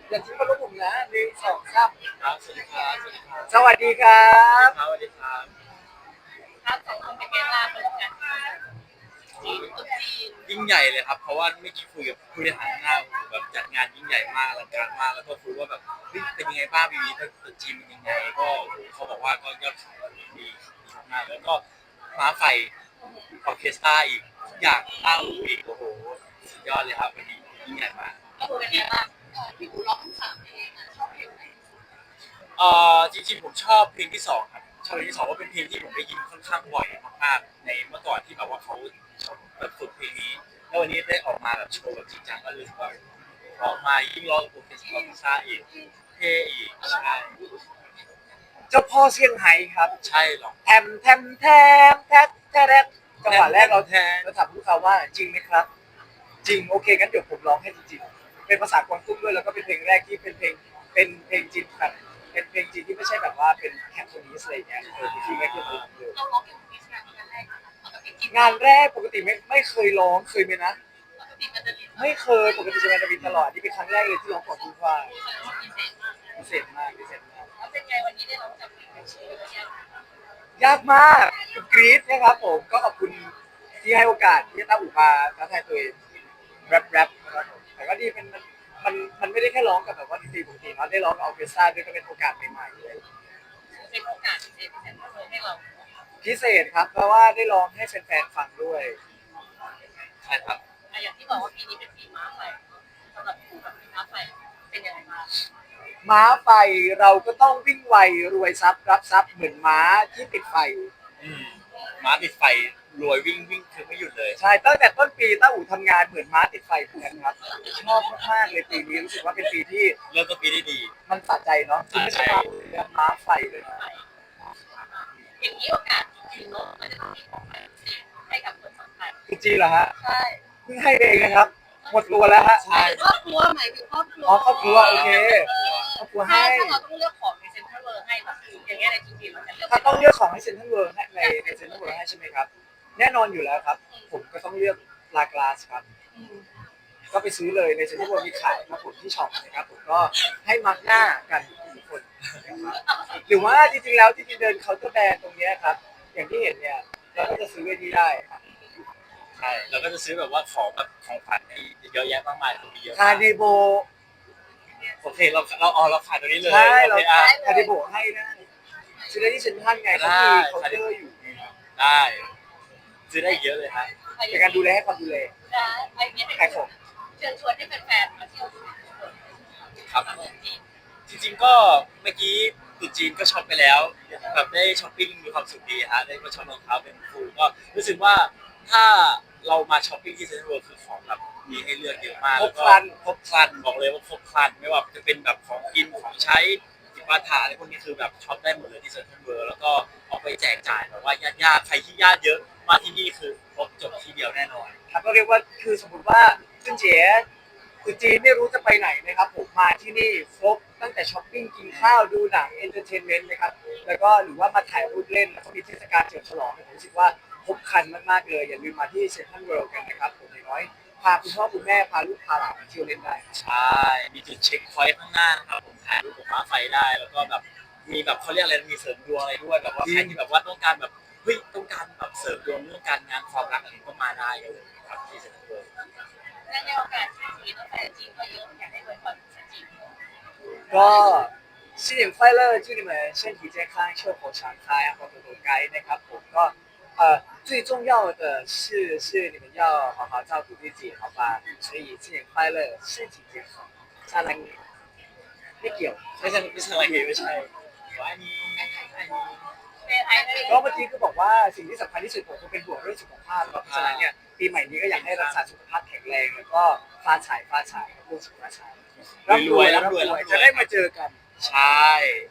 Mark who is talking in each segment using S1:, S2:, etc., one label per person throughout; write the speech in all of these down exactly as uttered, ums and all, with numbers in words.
S1: อย่าทิ้งมาลูกผมนะหนึ่งสองสาม
S2: ครับสวัสดีครับสวัสดีครับ
S1: สวัสดีครับ
S2: สวัสดีครับ
S3: ครับสองคนเป็นไงบ้างเป็นกันจีนตุ๊จีน
S2: ยิ่งใหญ่เลยครับเพราะว่าเมื่อกี้คุยกับผู้บริหารหน้าแบบจัดงานยิ่งใหญ่มากอลังการมากแล้วก็คุยว่าแบบเฮ้ยเป็นยังไงบ้างปีนี้ถ้าตัวจีนเป็นยังไงก็เขาบอกว่าก็ยอดขายดีดีมากแล้วก็ม้าไฟออร์เคสตราอีกทุกอย่างตั้งอีกโอ้โหสุดยอดเลยครับวันนี้ยิ่งใหญ่มาก
S3: ก็คือเป็นไงบ้างพี่กูร้องทั้งสามเพลงอ่ะชอบเพลงไหน
S2: เอ่อจริงๆผมชอบเพลงที่สองครับชอบเพลงที่สองว่าเป็นเพลงที่ผมได้ยินค่อนข้างบ่อยมากๆในเมื่อก่อนที่แบบว่าเขาชอบแบบฝึกเพลงนี้แล้ววันนี้ได้ออกมาแบบโชว์แบบจริงจังก็รู้สึกว่าออกมายิ่งร้องโปรเฟสชั่นอลพิซซ่าอีกเท่อีกใช่
S1: เจ้าพ่อเซี่ยงไฮ้ครับ
S2: ใช่หรอก
S1: แทมแทมแทมแทมแทมแทมจังหวะแรกเราแทนเราถามพวกเขาว่าจริงไหมครับจริงโอเคงั้นเดี๋ยวผมร้องให้จริงๆเป็นภาษากวางตุ้งด้วยแล้วก็เป็นเพลงแรกที่เป็นเพลงเป็นเพลงจีนแบบเป็นเพลงจีนที่ไม่ใช่แบบว่าเป็นแคปโทนิสอะไรเงี้ยเออจริงๆไม่เคยร้องเลย
S3: เราร้องเพลงนี้งานงานแรกปกติกิน
S1: งานแรกปกติไม่ไม่เคยร้องเคยไหมนะ
S3: ปกติมันจะมี
S1: ไม่เคยปกติจะมาจะบินตลอดนี่เป็นครั้งแรกเลยที่ร้องของคุณฟ้า
S3: พิเศษมาก
S1: พิเศษมากพิเศษมาก
S3: แล้วเป็นไงวันนี้ได้ร้องจากเพลงชื่อเนี่ย
S1: ยากมากกรี๊ดนะครับผมก็ขอบคุณที่ให้โอกาสที่จะตั้งอุปาท้าทายตัวเองแรปแรปนะครับผมแต่ก็ดีเป็นมันมันมันไม่ได้แค่ร้องกับแบบว่าดนตรีปกติเนาะได้ร้องกับออร์เคสตราด้วยก็เป็นโอกาสใหม่ๆเลย
S3: เป็นโอกาสพิเศษพิเศษเลยให้เรา
S1: พิเศษครับเพราะว่าได้ร้องให้แฟนๆฟังด้วย
S2: ใช่ครับ
S3: อย่างที่บอกว่าปีนี้เป็นปีม้าไฟสำหรับคู่กับม้าไฟเป็นยังไงบ้าง
S1: ม้าไฟเราก็ต้องวิ่งไวรวยทรัพย์รับทรัพย์เหมือนม้าที่ติดไฟ
S2: อืมม้าติดไฟรวยวิ่งวิ่งคือไม่หยุดเลย
S1: ใช่ตั้งแต่ต้นปีต้าอู่ทำงานเหมือนม้าติดไฟเหมือนกันครับชอบมากๆเลยปีนี้รู้สึกว่าเป็นปีที่
S2: เริ่มต้นปีได้ดี
S1: มันสะใจเนาะคือไม่ใช่ม้าเรือม้าไฟเลยนะ
S3: อย่างนี้โอกาสจริงๆเนาะมันจะต้องมีของขวัญพิเศษให้กับคนสำคัญ
S1: จริงเหรอฮะ
S3: ใช่
S1: เพิ่งให้เองนะครับหมดตัวแล้วฮะ
S3: หมายถึงครอบครัวหมายถึงครอบครัว
S1: อ๋อครอบครัวโอเคครอบครัว
S3: ถ้า
S1: ให้
S3: ถ้าเราต้องเลือกของในเซ็นทรัลเวิลด์ให้แบบอย่างเงี้ยในจริงๆเราจะเลือก
S1: ถ้าต้องเลือกของให้เซ็นทรัลเวิลด์ให้ในในเซ็นทรัลเวิลด์ให้ใช่ไหมครับแน่นอนอยู่แล้วครับผมก็ต้องเลือกลากลาสครับก็ไปซื้อเลยในเซ็นทรัลเวิลด์มีขายครับผมที่ช็อปนะครับผมก็ให้มาร์กหน้ากันทุกคนนะครับหรือว่าจริงๆแล้วที่เดินเคาน์เตอร์แบรนด์ตรงนี้ครับอย่างที่เห็นเนี่ยเราก็จะซื้อไว้ที่ได้
S2: ใช่เราก็จะซื้อแบบว่าของแบบของขวัญเยอะแยะมากมายมีเยอะ
S1: คา
S2: มาก
S1: เนโบ
S2: โอเคเราเราอ๋อเราขายตัวนี้เลย
S1: ใช่เรา
S2: โอเคอ่ะ
S1: คาเนโบให้ได้ซื้อได้ที่เซ็นทรัลไงเขามีเคาน์เตอร์อยู่
S2: ได้ซื้อได้เยอะเลยครับ
S1: เป็นการดูแลให้ความดูแล
S3: นะไอ้เนี้ย
S1: ขายของ
S3: เชิญชวนให้แฟนๆมาเที่ยว
S2: ครับจริงๆก็เมื่อกี้ตรุ๊จีนก็ช็อปไปแล้วแบบได้ช้อปปิ้งมีความสุขดีฮะได้มาช็อปรองเท้าเป็นฟูก็รู้สึกว่าถ้าเรามาช้อปปิ้งที่เซ็นทรัลเวิลด์คือของแบบมีให้เลือกเยอะมาก
S1: ครบครัน
S2: ครบครันบอกเลยว่าครบครันไม่ว่าจะเป็นแบบของกินของใช้จิปาถะอะไรพวกนี้คือแบบช็อปได้หมดเลยที่เซ็นทรัลเวิลด์แล้วก็เอาไปแจกจ่ายแบบว่าญาติๆใครที่ญาติเยอะมาที่นี่คือครบจบทีเดียวแน่นอน
S1: ครับก็เรียกว่าคือสมมติว่าขึ้นเจ๋คือจีนไม่รู้จะไปไหนนะครับผมมาที่นี่ครบตั้งแต่ช้อปปิ้งกินข้าวดูหนังเอนเตอร์เทนเมนต์นะครับแล้วก็หรือว่ามาถ่ายรูปเล่นแล้วก็มีเทศกาลเฉลิมฉลองผมรู้สึกว่าครบครันมากๆเลยอย่าลืมมาที่เซ็นทรัลเวิลด์กันนะครับผมอย่างน้อยพาคุณพ่อคุณแม่พาลูกพาหลานมาเที่ยวเล่นได้
S2: ใช่มีจุดเช็คพอยต์ข้างหน้านะครับผมถ่ายรูปกับม้าไฟได้แล้วก็แบบมีแบบเขาเรียกอะไรมีเสริมดวงอะไรด้วยแบบว่าใครที่แบบว่าต้องการแบบเฮ้ยต้องการแบบเสริมดวงเรื่องการงานความรักอะไรก็มาได้เลยครับที่เซ็นทรัลเวิลด์
S3: และในโอกาสที่จีนต้องแฟนจีนก็เยอะอยากให้อวยพรจีน
S1: ก็新年快乐祝你们身体健康寿口常开然后多多该นะครับผมก็呃最重要的是是你们要好好照顾自己好吧所以新年快乐身体健康ซาลังไม่เกี่ยว
S2: ไม่ใช่ไม่ใช่อะไรไม่ใช่ว่าอันนี้อันนี้
S3: เป็นไทยเลย
S1: ก็เมื่อกี้ก็บอกว่าสิ่งที่สำคัญที่สุดผมคือเป็นห่วงเรื่องสุขภาพเพราะฉะนั้นเนี่ยปีใหม่นี้ก็อยากให้รักษาสุขภาพแข็งแรงแล้วก็ฟ้าฉายฟ้าฉายเรื่องสุขภาพฉายร่ำรวยร่ำรวยจะได้มาเจอกัน
S2: ใช่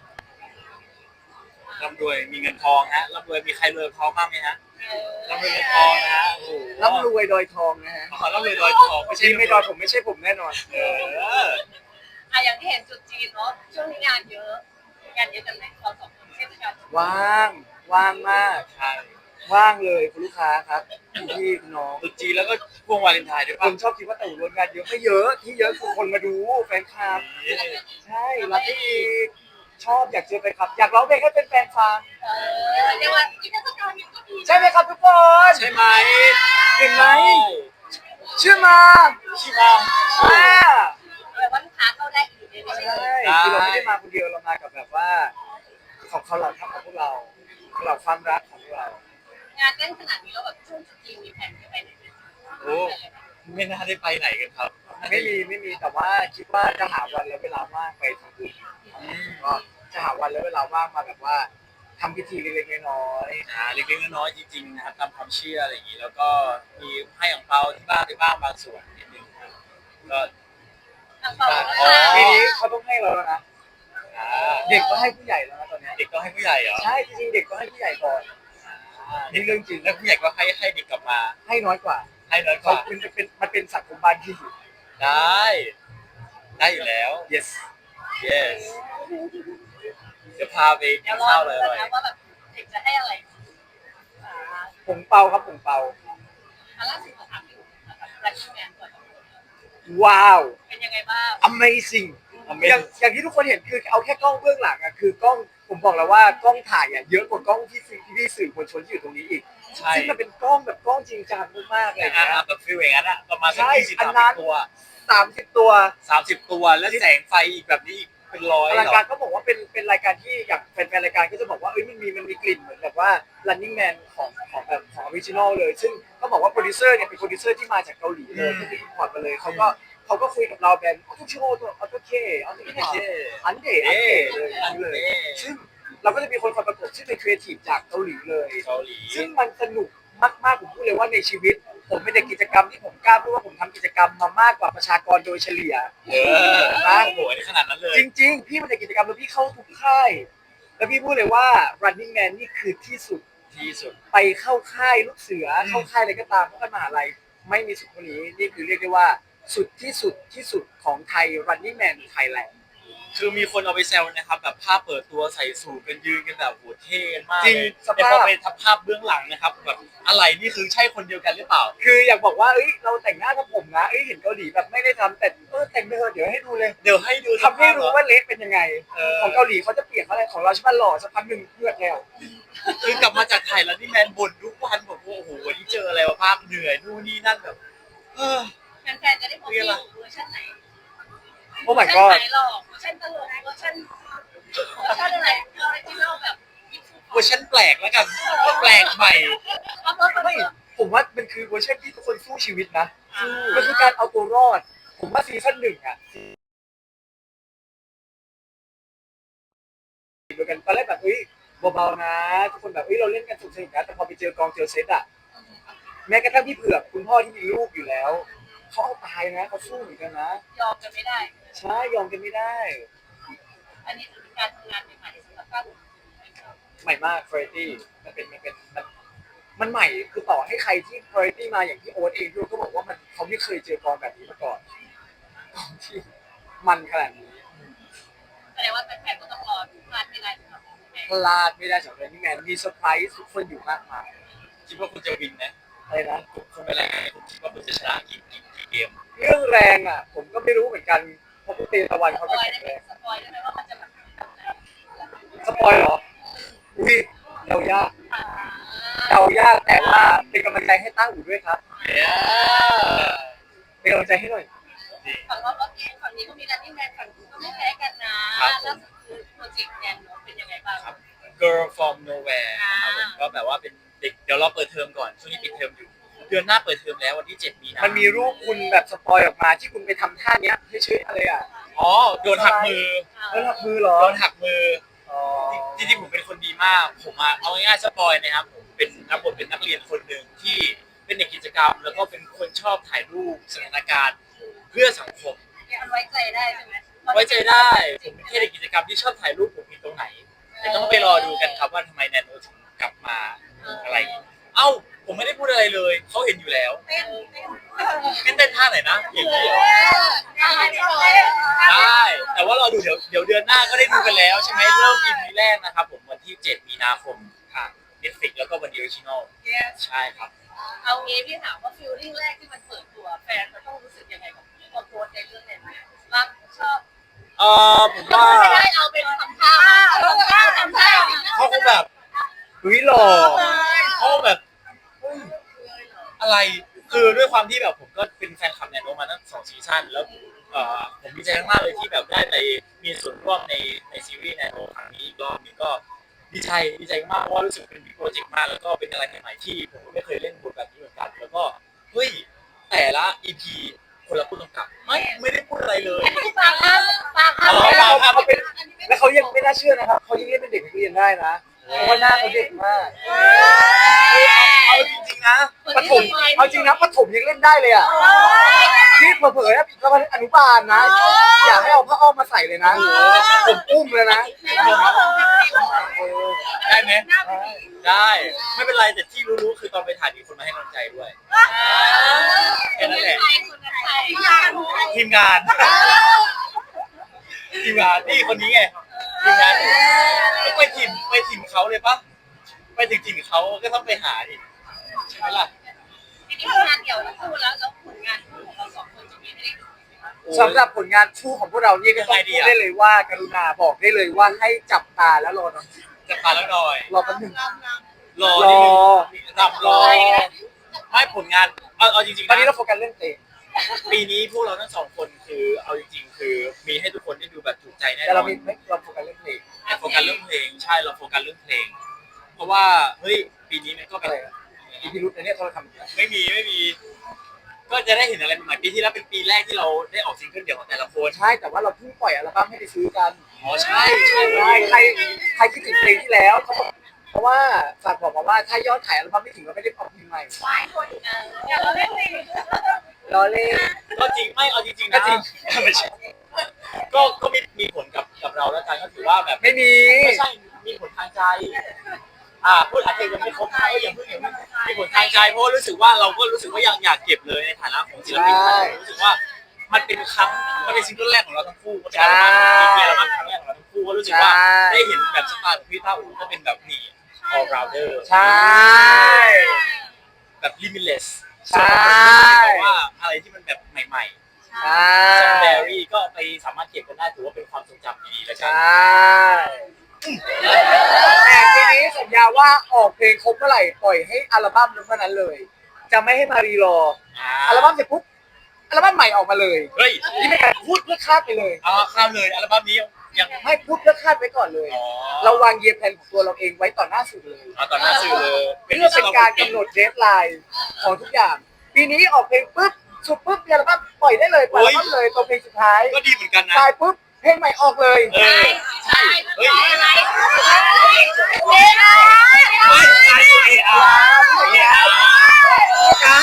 S2: ร่ำรวยมีเงินทองฮะร่ำรวยมีใครรวยทองบ้างไหมฮะร่ำรวยเงินทองนะฮะโอ้โห
S1: ร่ำรวยดอยทองนะฮะ
S2: ขอร่ำรวยดอยทองไม่ใช่
S1: จริงไม่ดอยผมไม่ใช่ผมแน่นอน
S2: เออ
S3: อ่ะอย่างที่เห็นจุดจีนเนาะช่วงนี้งานเยอะงานเยอะกันไหมเราสองคนเช่นกัน
S1: ว่างว่างมาก
S2: ใช่
S1: ว่างเลยคุณลูกค้าครับคุณพี่คุณน้อง
S2: ตุ๊จีนแล้วก็พวงวาเลนไทน์ด้วย
S1: ค
S2: ป่ะ
S1: นชอบคิดว่าแต่งรวมงานเยอะไม่เยอะที่เยอะคือคนมาดูแฟนคลับ ใช่รับได้อีกชอบอยากเจอแฟนคลับ อยากร้องเพลงให้เป็นแฟนฟัง
S3: เออเรียกว่าที่เทศกาลนี้ก็ดี
S1: ใช่ไหมครับทุกคน
S2: ใช่ไหม
S1: เห็นไหมเชื่อมา
S2: ใช่มา
S1: อ่า
S3: แบบว่าลูกค้าเข้าได้อีกเลยไม่ใช่
S1: ใช่คือเราไม่ได้มาคนเดียวเรามากับแบบว่า ของเขาเราทำกับพวกเราเราความรักของพวกเรา
S3: งานเต้นขนาดนี้แล้วแบบช่วงจุดจีนมีแผนจะไปไหนไหม
S2: โอ้ไม่น่าได้ไปไหนกันครับ
S1: ไม่มีไม่มีแต่ว่าคิดว่าจะหาวันและเวลาว่างไปทำบุญ
S2: อืม
S1: ก็จะหาวันและเวลาว่างมาแบบว่าทำพิธีเล็กๆน้อย
S2: อ่าเล็กๆน้อยๆจริงๆนะครับตามความเชื่ออะไรอย่างนี้แล้วก็มีให้อ่งเปาที่บ้านได้บ้างบางส่วนนิดนึงครับก็
S3: ทางเปา
S2: อ๋อ
S1: ๆปีนี้เขาต้องให้เราแล้วนะ
S2: อ่า
S1: เด็กก็ให้ผู้ใหญ่แล้วนะตอนเนี้ย
S2: เด็กก็ให้ผู้ใหญ่เหรอ
S1: ใช่จริงๆเด็กก็ให้ผู้ใหญ่ก่อน
S2: อ่านี่เรื่องจริงแล้วผู้ใหญ่ก็ให้ให้เด็กกลับมา
S1: ให้น้อยกว่า
S2: ให้น้อยก
S1: เขา
S2: ว่า
S1: เป็นเป็นมันเป็นสังคมบ้านที่
S2: ได้ ได้อยู่แล้ว
S1: yes
S2: yes เดี๋ยวพาไปกิ
S3: เดี๋ย
S2: น
S3: วรอ
S2: ข้าว
S3: ดู
S2: เลย
S3: กันนะว่าแบบเด็กจะให้อะไรอ่า
S1: ผงเปาครับผงเปา
S3: อันล่าสุดเราถามอยู่นะครับรัชแมนก่อน
S1: ว้าว
S3: เป็นยังไงบ้าง
S1: amazing
S2: เอา
S1: อ
S2: ไม่
S1: ย่างอย่างที่ทุกคนเห็นคือเอาแค่กล้องเบื้องหลังอะคือกล้องผมบอกแล้วว่ากล้องถ่ายอะเยอะกว่ากล้องที่สื่อที่สื่อมวลชนที่อยู่ตรงนี้อีก
S2: ใช่
S1: ซึ่งมันเป็นกล้องแบบกล้องจริงจังมากๆเลย
S2: อ่า
S1: นะ
S2: แบบฟิลอย่างนั้นอะประมาณสัก
S1: ใช่
S2: ยี่สิบ
S1: อัน
S2: สาม
S1: นั้
S2: สิ
S1: น
S2: บตัว
S1: สามสิบตัว
S2: สามสิบตัวแล้วแสงไฟอีกแบบนี้อีกเป็นร้อย
S1: อ
S2: เหร
S1: ลัง
S2: อ
S1: การก็บอกว่าเป็นเป็นรายการที่อย่างแฟนๆรายการก็จะบอกว่าเอ้ยมันมีมันมีกลิ่นเหมือนแบบว่า running man ของของแบบของออริจินอลเลย ซึ่งก็บอกว่าโปรดิวเซอร์เนี่ยเป็นโปรดิวเซอร์ที่มาจากเกาหลีเลยที่อินพอร์ตมาเลยเขาก็เขาก็คุยกับเราแบบทุกชั่วโมงตัวเอาตัวเคเอาตัวเคอันเดอันเดเลยอันนี้เลย ซึ่งเราก็จะมีคนคอยประกบซึ่งเป็นครีเอทีฟจากเกาหลีเลย
S2: เกาหลี
S1: ซึ่งมันสนุกมากๆผมพูดเลยว่าในชีวิต ผมเป็นเด็กกิจกรรมที่ผมกล้าพูดว่าผมทำกิจกรรมมามากกว่าประชากรโดยเฉลี่ย
S2: เออโอ้โหขนาดนั้นเลย
S1: จริงๆ พี่เป็นเด็กกิจกรรมแล้วพี่เข้าทุกค่าย แล้วพี่พูดเลยว่า running man นี่คือที่สุด
S2: ที่สุด
S1: ไปเข้าค่ายลูกเสือ
S2: อืม
S1: เข้าค่ายอะไรก็ตามเข้ากันมหาลัยไม่มีสุดคนนี้ นี่คือเรียกได้ว่าสุดที่สุดที่สุดของไทย running man Thailand
S2: คือมีคนเอาไปแซวนะครับแบบภาพเปิดตัวใส่สูทกันยืนกันแบบโหเท่กันมาก
S1: จริง
S2: เลย
S1: สภาพ
S2: แต่พอไปทับภาพเบื้องหลังนะครับแบบอะไรนี่คือใช่คนเดียวกันหรือเปล่า
S1: คืออยากบอกว่าเอ้ยเราแต่งหน้าทำผมนะเอ้ยเห็นเกาหลีแบบไม่ได้ทำแต่เออแต่งไปเถอะเดี๋ยวให้ดูเลย
S2: เดี๋ยวให้ดู
S1: ทำให้รู้ว่าเละเป็นยังไง
S2: เออ
S1: ของเกาหลีเขาจะเปลี่ยนอะไรของเราใช่ไหมหล่อสักพักหนึ่งเลือดแล้ว
S2: คือกลับมาจากไทยแล้วนี่แมนบ่นทุกวันบอกว่าโอ้โหวันนี้เจออะไรวะภาพเหนื่อยนู่นนี่นั่นแบบเออ
S3: แฟนๆจะได้พบพี่อยู่เวอร์ชันไหน
S1: โอ้ my
S3: เว
S1: god
S3: อร์ชันไหนหรอกเวอร์ชันตลกเวอร์ชันเวอร์ชันอะไรออริจินอลแบบ
S2: เวอร์ชันแปลกแล้วกันแปลกใหม่
S3: เอาเพิ่มเพิ่ม
S1: ไม่ ผมว่ามันคือเวอร์ชันที่ทุกคนสู้ชีวิตนะ มันคือการเอาตัวรอด ผมว่าซีซั่นหนึ่งอะเหมือนกันตอนแรกแบบเฮ้ยเบาๆนะ ทุกคนแบบเฮ้ยเราเล่นกันสุดสนุกนะแต่พอไปเจอกองเจอเซตอะแม้กระทั่งพี่เผือกคุณพ่อที่มีลูกอยู่แล้วเขาเอาตายนะเขาสู้เหมือนกันนะ
S3: ยอมกันไม่ได้
S1: ใช่ยอมกันไม่ได้
S3: อันนี้ถือเป็นการทำงานใหม่ๆสำหรับก้าว
S1: ใหม่มาก variety มันเป็นมันเป็นมันมันใหม่คือต่อให้ใครที่ variety มาอย่างที่โอ๊ตเองพี่โอ๊ตก็บอกว่ามันเขาไม่เคยเจอกองแบบนี้มาก่อนกองที่มันขนาดนี้
S3: แสดงว่าแฟนๆก็ต้องรอดูพลาดไม่ได้สำหรับแม่
S1: พลาดไม่ได้สำหรับ Running Man มีเซอร์ไพรส์ทุกคนอยู่มากมาย
S2: คิดว่าคุณจะวินนะ
S1: อะไรนะ
S2: คุณเป็นอะไรคุณคิดว่าคุณจะชนะกี่กี่กี่เกม
S1: เรื่องแรงอ่ะ ผมก็ไม่รู้เหมือนกันเพราะปกติตะวัน
S3: ส
S1: เขา
S3: ป
S1: ก็
S3: อย
S1: แข็
S3: ได้
S1: ง
S3: ไหม
S1: แรง
S3: สปอยได้ไหมว่ามันจะแบบแบบไหน
S1: สปอยเหรออุ้ยเดายาก
S3: อ่า
S1: เดายากแต่ว่าเป็นกำลังใจให้ตั้งอู่ด้วยครับ
S2: เนี่ย
S1: เป็นกำลังใจให้หน่อย
S3: ฝั่งเราก็เองฝั่งนี้ก็มีรันนิ่งแมนฝั่งนู้นก็ไม่แพ้กันนะแล้วคือโปรเจกต์แนนโนเป็นยังไงบ้าง
S2: ครับ Girl from Nowhere นะครับผมก็แบบว่าเป็นเด็กเดี๋ยวเราเปิดเทอมก่อนช่วงนี้ปิดเทอมอยู่ เดือนหน้าเปิดเทอมแล้ววันที่เจ็ดมีนา
S1: มันมีรูปคุณแบบสปอยออกมาที่คุณไปทำท่าเนี้ยให้ชื่ออะไรอ่ะ
S2: อ๋อโดนหักมือ
S1: แล้วหักมือเหรอ
S2: โดนหักมือ
S1: อ๋อ
S2: จริงๆผมเป็นคนดีมาก ผมอะเอาง่ายๆสปอยนะครับผมเป็นนักบทเป็นนักเรียนคนหนึ่งที่เป็นเด็กกิจกรรม แล้วก็เป็นคนชอบถ่ายรูปสถานการณ์เพื่อสังคม
S3: มันไว้ใจได้ใช่ไหม
S2: ไว้ใจได้ผมเป็นแค่เด็กกิจกรรมที่ชอบถ่ายรูปผมผิดตรงไหนแต่ต้องไปรอดูกันครับว่าทำไมแนนโนถึงกลับมาอะไร เอ้าผมไม่ได้พูดอะไรเลยเขาเห็นอยู่แล้ว
S3: เต้นเต้น
S2: เต้นเต้นท่าไหนนะอย่างนี้เหรอ ได้ แต่ว่ารอดูเดี๋ยวเดี๋ยวเดือนหน้าก็ได้ดูกันแล้วใช่ไหมเริ่ม อี พี แรกนะครับผมวันที่เจ็ดมีนาคมทาง Netflix แล้วก็วันเดียวออริจินอลใช่ครับ
S3: เอางี้พี่ถามว่าฟิลลิ่งแรกที่มันเปิดตัวแฟนมันต้องรู้สึกยังไงกับตัวโพสในเรื่องนี้รักชอบ
S2: เออผม
S3: ก็
S2: ว่า
S3: ไม่ได้เอาเป็นทำท่าทำท่าทำท่า
S2: เขาคงแบบ
S1: อุ้ยหล่อ
S2: เขาแบบเฮ้ยอะไรคือด้วยความที่แบบผมก็เป็นแฟนคลับแนนโนมาตั้งสองซีซั่นแล้วเอ่อผมดีใจมากๆเลยที่แบบได้ไปมีส่วนร่วมในในซีรีส์แนนโนครั้งนี้อีกรอบนี้ก็ดีใจดีใจมากเพราะว่ารู้สึกเป็นบิ๊กโปรเจกต์มากแล้วก็เป็นอะไรใหม่ๆที่ผมก็ไม่เคยเล่นบทแบบนี้เหมือนกันแล้วก็เฮ้ยแต่ละ อี พี คนละผู้กำกับไม่ไม่ได้พูดอะไรเลย
S3: ปากครับปากครับ
S1: แล้วเขาเขาเป็นแล้วเขายังไม่น่าเชื่อนะครับเขายังเล่นเป็นเด็กนักเรียนได้นะเพราะว่าหน้าเขาเด็กมาก
S2: เอาจริงๆนะ
S1: ปฐมเอาจริงนะปฐมยังเล่นได้เลยอ่ะนี่เผลอๆนะก็มาอนุบาลนะอยากให้เอาผ้าอ้อมมาใส่เลยนะผมอุ้มเลยนะ
S2: ได้ไหมได้ไม่เป็นไรแต่ที่รู้ๆคือตอนไปถ่ายมีคนมาให้กำลังใจด้วยแค่นั้นแหละทีมงานทีมงานนี่คนนี้ไงทีมงานไปถิ่นไปถิ่นเขาเลยปะไปถึงถิ่นเขาก็ต้องไปหาดิใช่ไหมล่ะ
S3: ทีนี้งานเดี่ยวทั้งคู่แล้วแล้วผลงานคู่ของเราสองคนจะมีให้ได้ดูไหมคะ
S1: สำหรับผลงานชูของพวกเรานี่ก็ต้องพูดได้เลยว่ากรุณาบอกได้เลยว่าให้จับตาแล้วรอหน่อย
S2: จะพาแล้วหน่อย
S1: รอแป๊บนึง
S2: รอ
S1: รอ
S2: รำรอไม่ผลงานเอาเอาจริงๆ
S1: ตอนนี้
S2: นะ
S1: เราโฟกัสเรื่องเพลง
S2: ปีนี้พวกเราทั้งสองคนคือเอาจริงๆคือมีให้ทุกคนได้ดูแบบถูกใจแน่น
S1: แต่
S2: อ
S1: เรา
S2: น
S1: มีไม่เราโฟกัสเรื่องเพลง
S2: โฟกัสเรื่องเพลงใช่เราโฟกัสเรื่องเพลง เพราะว่าเฮ้ยปีนี้มันก็เป็
S1: อะ
S2: น
S1: ไรอะอีพีรุธในเนี่ยเขาทำอย่างเงี้ย
S2: ไม่มีไม่มี ก็จะได้เห็นอะไรใหม่ๆปีที่แล้วเป็นปีแรกที่เราได้ออกซิงเกิลเดี่ยวของแต่ละคน
S1: ใช่แต่ว่าเราเพิ่งปล่อยอัลบั้มให้ไปซื้อกัน
S2: อ๋อใช่ใช่
S1: ใช่ใครใครคิดถึงเพลงที่แล้วเขาบอกเพราะว่าฝากบอกมาว่าถ้ายอดขายอัลบั้มไม่ถึงเราไม่ได้ออกเพลงใหม่
S3: หลายคนเอออยากเราเล่นเพลง
S1: รอเล่น
S2: ก็จริงไม่เอาจริงๆ
S1: ก็
S2: นะ
S1: จริง
S2: ไม่ใช่ก็ก็มีมีผลกับกับเราแล้วกันก็ถือว่าแบบ
S1: ไม่มี
S2: ไม่ใช่มีผลทางใจ อ่าพูดอาจจะยังไม่ครบนะก็ยังเพิ่งยังไม่มีผลทางใจเพราะรู้สึกว่าเราก็รู้สึกว่ายังอยากเก็บเลยในฐานะของศิลปินรู้สึกว่ามันเป็นครั้งมันเป็นซิงเกิลแรกของเราทั้งคู่มันเป็นอัลบั้มมีอัลบั้มครั้งแรกของเราทั้งคู่ก็รู้สึกว่าได้เห็นแบบสไตล์ของพี่ต้าอู๋ก็เป็นแบบนี่ all rounder
S1: ใช่
S2: แบบ limitless
S1: ใช่
S2: แต่ว่าอะไรที่มันแบบใหม่
S1: ใช่
S2: ๆซัมแบรี่ก็ไปสามารถเก็บกันได้ถือว่าเป็นความทรงจำดีๆแล้ว
S1: ใช
S2: กัน่
S1: แต่ปีนี้สัญญาว่าออกเพลงครบเมื่อไหร่ปล่อยให้อัลบั้มนั้นเมื่อนั้นเลย จะไม่ให้มารีรออัลบั้มเสร็จปุ๊บอัลบั้มใหม่ออกมาเลย
S2: เฮ้ย
S1: นี่เป็นการพูดเพื่อคาดไปเลย
S2: เอาข้ามเลยอัลบั้มนี้ยัง
S1: ไม่พูดเพื่อคาดไว้ก่อนเลย
S2: อ๋อ
S1: เราวางเยียร์แผนของตัวเราเองไว้ต่อหน้าสื่อเลย
S2: เอาต่อหน้าสื่อเลย
S1: เพื่อเป็นการกำหนดเดทไลน์ของทุกอย่าง ปีนี้ออกเพลงปุ๊บสุดปุ๊บอัลบั้มปล่อยได้เลยปล่อยอัลบั้มเลยตัวเพลงสุดท้าย
S2: ก็ดีเหมือนกันนะ
S1: ตายปุ๊บเพลงใหม่ออกเลย
S2: เออ
S3: ใช่
S2: เฮ้ย
S3: อะไร
S2: เฮ้ยตายตัวเออาร์เออาร์
S1: การ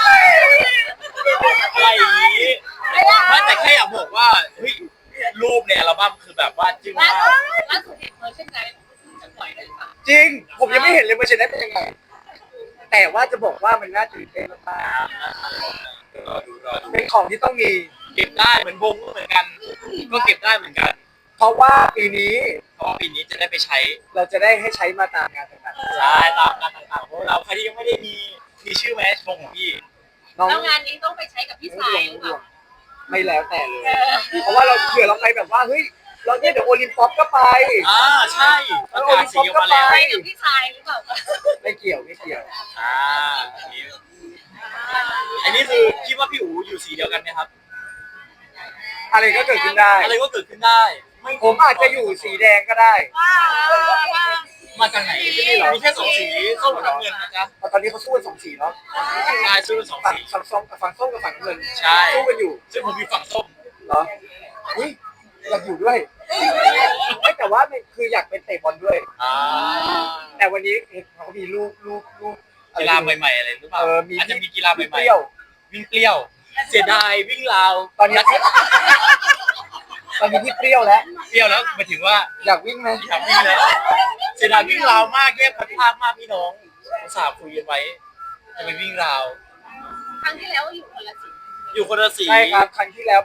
S2: อะไรอย่างนี้ไม่แต่แค่อยากบอกว่าเฮ้ยรูปในอัลบั้มคือแบบว่าจึ้ง
S3: ล่าม
S2: าก
S3: สุดล่าสุดเห็นเวอร์ชันไหนจะปล่อยได้หรือเปล่า
S1: จริง ผมยังไม่เห็นเลยเวอร์ชันนั้นเป็นยังไง แต่ว่าจะบอกว่ามันน่าตื่นเต้นมาก
S2: รอดูรอดู
S1: ๆเป็นของที่ต้องมี
S2: เก็บได้เหมือนวงก็เหมือนกัน ก็เก็บได้เหมือนกัน
S1: เพราะว่าปีนี้
S2: เพราะว่าปีนี้จะได้ไปใช้
S1: เราจะได้ให้ใช้มาตามงานต่าง
S2: ใช่ตามงานต่างๆเพราะเราใครที่ยังไม่ได้มีมีชื่อแมชวงของพี่
S1: ๆน้อง
S3: แล้วงานนี้ต้องไปใช้กับพี่สายหรือเปล่า
S1: ไม่แล้วแต่เลย เพราะว่าเราเผื่อเราไปแบบว่าเฮ้ยเราเนี่ยเดี๋ยวโอลิมปิกก็ไป
S2: อ่าใช่ประกาศสีออกมาแล้ว
S3: ไปกับพี่ชายหรือเปล่า
S1: ไม่เกี่ยวไม่เกี่ยว
S2: อ่าอันนี้อันนี้คือคิดว่าพี่อู๋อยู่สีเดียวกันไหมครับ
S1: อะไรก็เกิดขึ้นได้
S2: อะไรก็เกิดขึ้นได้ไ
S1: ผมอาจจะอยู่สีแดงก็ได้
S2: มาจากไหนมีแค่สองสีส้มกับน้ำเงินนะจ๊ะ
S1: เพราะตอนนี้เขาสู้กันสองสีเนาะ
S2: ใช่ซื้อเป็นสอง
S1: ฝั่ง
S2: สี
S1: ฝั่งส้มกับฝั่งส้มกับฝั่งน้ำเงิน
S2: ใช่
S1: สู้กันอยู่
S2: ซึ่งผมมีฝั่งส้ม
S1: เหรออุ้ยอยากอยู่ด้วยไม่แต่ว่ามันคืออยากเป็นเตะบอลด้วย
S2: อ่า
S1: แต่วันนี้เห็นเขามีลูกลูกลูก
S2: กีฬาใหม่ๆอะไรหรือเปล่า
S1: เออมี
S2: อาจจะมีกีฬาให
S1: เป
S2: ม่
S1: รี้ยว
S2: ๆวิ่งเปรี้ยว เสียดายวิ่งราว
S1: ตอนนี้ตอนนี้ที่เปรี้ยวแล้ว
S2: เปรี้ยวแล้วหมายถึงว่า
S1: อยากวิ่งไหม
S2: อยากวิ่งแล้วเสียดายวิ่งราวมากแยกพันภาคมากพี่น้องอุตส่าห์คุยกันไว้จะไปวิ่งราว
S3: ครั้งที่แล้วอยู่คนละสี
S2: อยู่คนละสี
S1: ใช่ครับครั้งที่แล้วแบบผม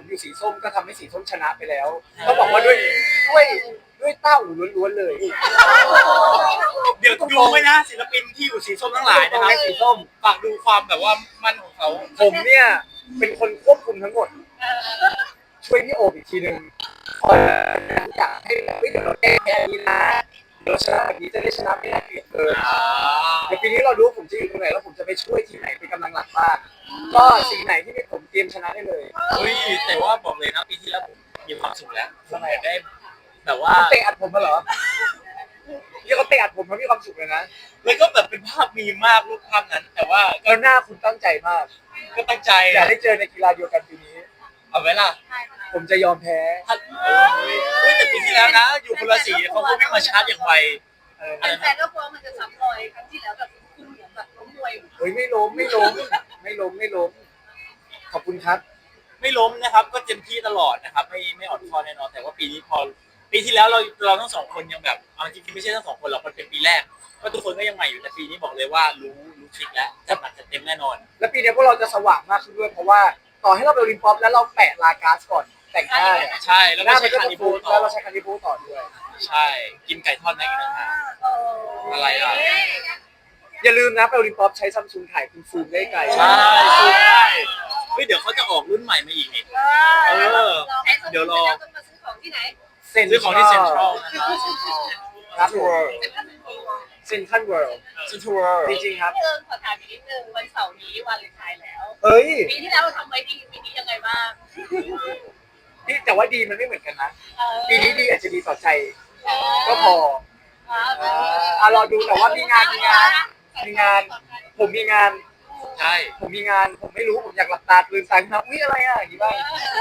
S1: อยู่สีส้มก็ทำให้สีส้มชนะไปแล้วก็บอกว่าด้วยด้วยด้วยเต้าหูล้วนๆเลย
S2: เดี๋ยวดูไว้นะศิลปินที่อยู่สีส้มทั้งหลายนะครับ
S1: สีส้ม
S2: ฝากดูความแบบว่ามั่นของเขา
S1: ผมเนี่ยเป็นคนควบคุมทั้งหมด ช่วยพี่โอบอีกทีหนึ่งคอยอยากให้เฮ้ยเดี๋ยวเราแก้แพ้นี้นะเดี๋ยวชนะแบบนี้จะได้ชนะไม่น่าเกลียดเลยเดี๋ยวปีนี้เราดูว่าผมจะอยู่ตรงไหนแล้วผมจะไปช่วยทีมไหนเป็นกำลังหลักบ้างก็สีไหนที่เป็นผมเตรียมชนะได้เลย
S2: เฮ้ยแต่ว่าบอกเลยนะปีที่แล้วผมมีความสุขแล้วทำไมได้แบบว่า
S1: เตะอัดผมมาเหรอนี่เขาเตะอัดผมเขามีความสุขเลยนะ
S2: แล้วก็แบบเป็นภาพมีมากรูปภาพนั้น แต่ว่า
S1: แล้วหน้าคุณตั้งใจมาก
S2: ก็ตั้งใจ
S1: อยากได้เจอในกีฬาเดียวกันปีนี้
S2: เอาไว้ล่ะ
S1: ผมจะยอมแพ้
S2: ถ้าเฮ้ยแต่ปีที่แล้วนะ อยู่คนละสีเขาก็วิ่งมาชาร์จอย่างไว
S1: เออ
S3: แฟนๆก็กลัวมันจะซ้ำรอยครั้งที่แล้วแบบคุณเหมือนแบบล้มมวย
S1: เฮ้ยไม่ล้มไม่ล้มไม่ล้มไม่ล้มขอบคุณครับ
S2: ไม่ล้มนะครับ ก็เต็มที่ตลอดนะครับ ไม่ไม่อ่อนคอแน่นอนแต่ว่าปีนี้พอปีที่แล้วเราเราทั้งสองคนยังแบบเอาจริงๆไม่ใช่ทั้งสองคนหรอกมันเป็นปีแรกก็ทุกคนก็ยังใหม่อยู่แต่ปีนี้บอกเลยว่ารู้รู้ทริคแล้วจัดหนักจัดเต็มแน่นอน
S1: แล้วปีนี้พวกเราจะสว่างมากขึ้นด้วยเพราะว่าต่อให้เราไปโอลิมปิกแล้วเราแปะลากาสก่อนแต่งหน้าเนี่ย
S2: ใช่แล้ว
S1: ห
S2: ก็
S1: น้า
S2: ใช้
S1: มันก็
S2: คา
S1: จะ
S2: นิ
S1: ฟู
S2: บูต่อ
S1: แล้วเราใช้คานิบูต่อด้วย
S2: ใช่กินไก่ทอดในอีกนะฮะ อะไรอ่ะ
S1: อย่าลืมนะไปโอลิมปิกใช้ซัมซุงถ่ายคุณซูมได้ไกล
S2: ใช่ซูมได้เฮ้ยเดี๋ยวเขาจะออกรุ่นใหม่มาอีกนี่
S3: เออเดี๋ยวรอต้องมาซื้อของที่ไหน
S2: ซื้อของที่เซ็นทรัลนะครับ
S1: ครับเซ็นทรัลเวิลด์
S2: เซ็นทรัล
S1: จริงๆครับ
S3: พี่เอิญขอถามอีกนิดนึงวันเสาร์นี้วันเลนไทน์แล้ว
S1: เฮ้ย
S3: ปีที่แล้วเราทำไว้ดีปีนี้ยังไงบ้าง
S1: นี่แต่ว่าดีมันไม่เหมือนกันนะ
S3: เออ
S1: ปีนี้ดีอาจจะดีต่อใจ
S3: เออ
S1: ก็พอ
S3: อ่า
S1: อ่าอ่ะรอดูแต่ว่ามีงานมีงานมีงาน ผมมีงาน
S2: ใช่
S1: ผมมีงาน ผมไม่รู้ ผมอยากหลับตาลืมตาขึ้นมาอุ้ยอะไรอ่ะอย่างนี้บ้าง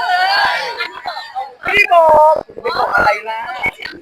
S3: อันนี้เปิดตรง
S1: ไม่ได้บอกจะไปบอกอะไรล่ะ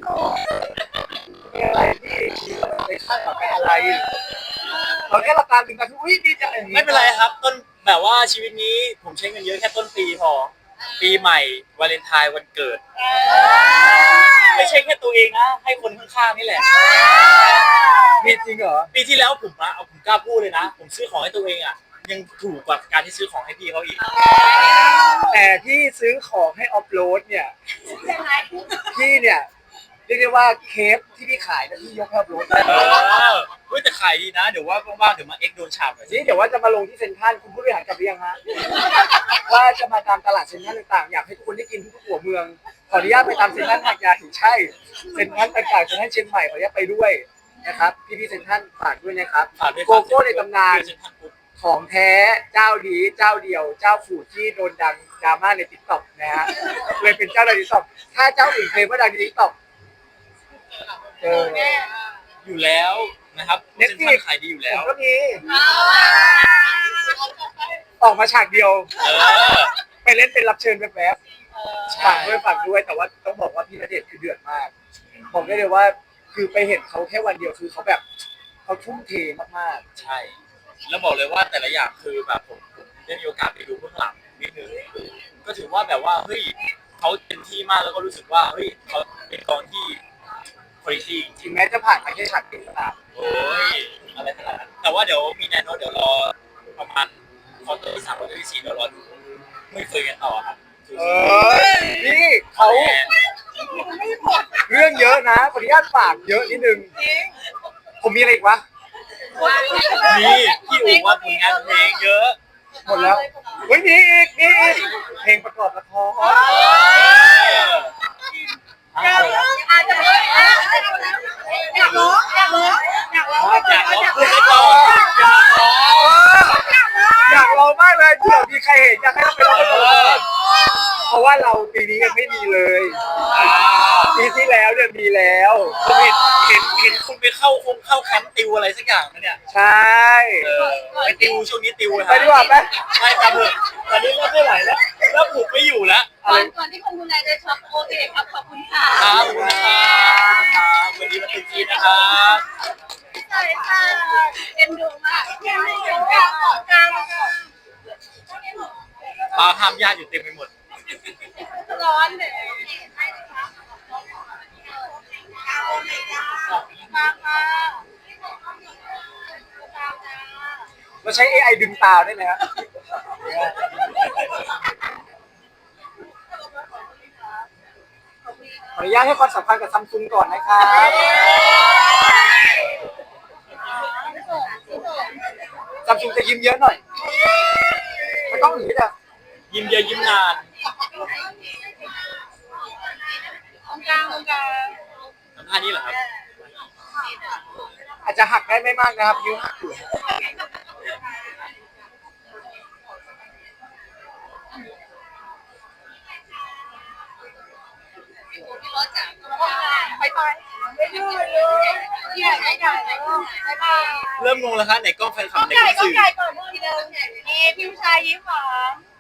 S1: มีอะไรที่ไปคาดหวังไปอะไรเราแค่หลับตาลืมตาคืออุ้ยดีจังอย่างนี้
S2: ไม่เป็นไรครับต้นแบบว่าชีวิตนี้ผมใช้เงินเยอะแค่ต้นปีพอ ปีใหม่วาเลนไทน์วันเกิด ไม่ใช่แค่ตัวเองนะให้คนข้างๆนี่แหละ
S1: มีจริงเหรอ
S2: ปีที่แล้วผมอะเอาผมกล้าพูดเลยนะ ผมซื้อของให้ตัวเองอะยังถูกกว่าการที่ซื้อของให้พี่เขาอีก
S1: แต่ที่ซื้อของให้ออฟโหลดเนี่ย
S3: ยังไง
S1: พี่เนี่ยเรียกได้ว่าเคฟที่พี่ขายนะพี่ยกให้ออฟโหลดได้
S2: เออเฮ้ยแต่ขายดีนะ เดี๋ยวว่าว่างๆเดี๋ยวมาเอ็กโดนฉาบหน่อยสิ
S1: นี่เดี๋ยวว่าจะมาลงที่เซ็นทรัลคุณผู้บริหารกลับหรือยังฮะ ว่าจะมาตามตลาดเซ็นทรัลต่างๆอยากให้ทุกคนได้กินทุกหัวเมืองขออนุญาตไปตามเซ็นทรัลหาดใหญ่ใช่เซ็นทรัลต่างๆเซ็นทรัลเชียงใหม่ขออนุญาตไปด้วยนะครับพี่ๆเซ็นทรัลฝากด้วยนะครับ
S2: ฝากด้วย
S1: โกโก้ในตำนาน
S2: เซ็นทรัลปุ๊บ
S1: ของแท้เจ้าดีเจ้าเดียวเจ้าฝูที่โดนดังดราม่าในติ๊กต็อกนะฮะเลยเป็นเจ้าดังติ๊กต็อกถ้าเจ้าอื่นเคลมว่าดังในติ๊กต็อกเออ
S2: อยู่แล้วนะครับ
S1: เน็ต
S2: เซ็น
S1: ฟ
S2: ท
S1: ลิ
S2: รั
S1: ก
S2: ลขายดีอยู่
S1: ผ
S2: แล้ว
S1: มก็มี
S3: เอา
S1: ออกมาฉากเดียว
S2: เออ
S1: ไปเล่นเป็นรับเชิญแป๊บ
S3: เออ
S1: ๆฝากด้วยฝากด้วยแต่ว่าต้องบอกว่าพี่ณเดชน์คือเดือดมากบอกได้เลยว่าคือไปเห็นเขาแค่วันเดียวคือเขาแบบเขาทุ่มเทมาก
S2: ใช่ แล้วบอกเลยว่าแต่ละอย่างคือแบบผมผมได้มีโอกาสไปดูเบื้องหลังนิดนึงก็ถือว่าแบบว่าเฮ้ยเขาเต็มที่มากแล้วก็รู้สึกว่าเฮ้ยเขาเป็นกองที่คุณภาพจริง
S1: ๆถึงแม้จะผ่านมาแค่ฉากเดียวก็ตาม
S2: โอ้ยอะไรขนาดนั้นแต่ว่าเดี๋ยวมีแน่นอนเดี๋ยวรอประมาณคอร์เตอร์ที่สามคอร์เตอร์ที่สี่เดี๋ยวรอดูไม่เคยกันต่อครับ
S1: เออนี่เขาเรื่องเยอะนะขออนุญาตฝากเยอะนิดนึงผมมีอะไรอีกวะ
S2: มีพี่อู๋ว่าผลงานเพลงเยอะ
S1: หมดแล้วเฮ้ยมีอีกมีอีกเพลงประกอบละคร
S3: อยากร้องอาจจะอยากร้องอยากร้องอยากร้อง
S2: อยากร้องพูดให้ก่อนอยากร้อง
S1: อยากลองมากเลยเผื่อมีใครเห็นอยากให้เราไปลองกันเพราะว่าเราปีนี้ยังไม่มีเลยปีที่แล้วเนี่ยมีแล้ว
S2: ผมเห็นเห็นเห็นคุณไปเข้าคงเข้าแคมป์ติวอะไรสักอย่างนะเนี่ย
S1: ใช่
S2: เออไปติวช่วงนี้ติว
S1: ไปดีกว่าไหม
S2: ไม่ครับเถอะตอนนี้เริ่มไม่ไหวแล้วเริ่มผูกไม่อยู่แล้ว
S3: ก่อนก่อนที่คนดูแลจะช็อปโอเคครับขอบคุณค่ะ
S2: ครับขอบคุณนะครับวันนี้มาติดทีนะครับ
S3: ใช่ค่ะเอ็นดูมากเอ็นดูมากขอบคุณค่ะ
S2: ปลาห้ามญาติอยู่เต็มไปหมด
S3: ร้อนเลยมาค่ะ
S1: เราใช้ เอ ไอ ดึงตาได้ไหมครับออนุญาตให้ความสำคัญกับซัมซุงก่อนนะครับซัมซุงจะยิ้มเยอะหน่อยไม่ต้องอย่างนี้นะ
S2: ยิ้มเยอะยิ้มนาน
S3: ตรงกลางตรงกลาง
S2: ทำท่านี้เหรอครับ
S1: อาจจะหักได้ไม่มากนะครับยิ้วหักอยู่
S3: พี่รถจ๋าไปไปไม่ดื้อเลยใหญ่ใหญ่ไปไป
S2: เริ่มงงแล้วครับไหนกล้องแฟนคลับไหน
S3: ไก่
S2: กล้อง
S3: ก็
S2: สื่อ
S3: ไก่ก่อนทีเดิมนี่พี่ผู้ชายยิ้มหวาน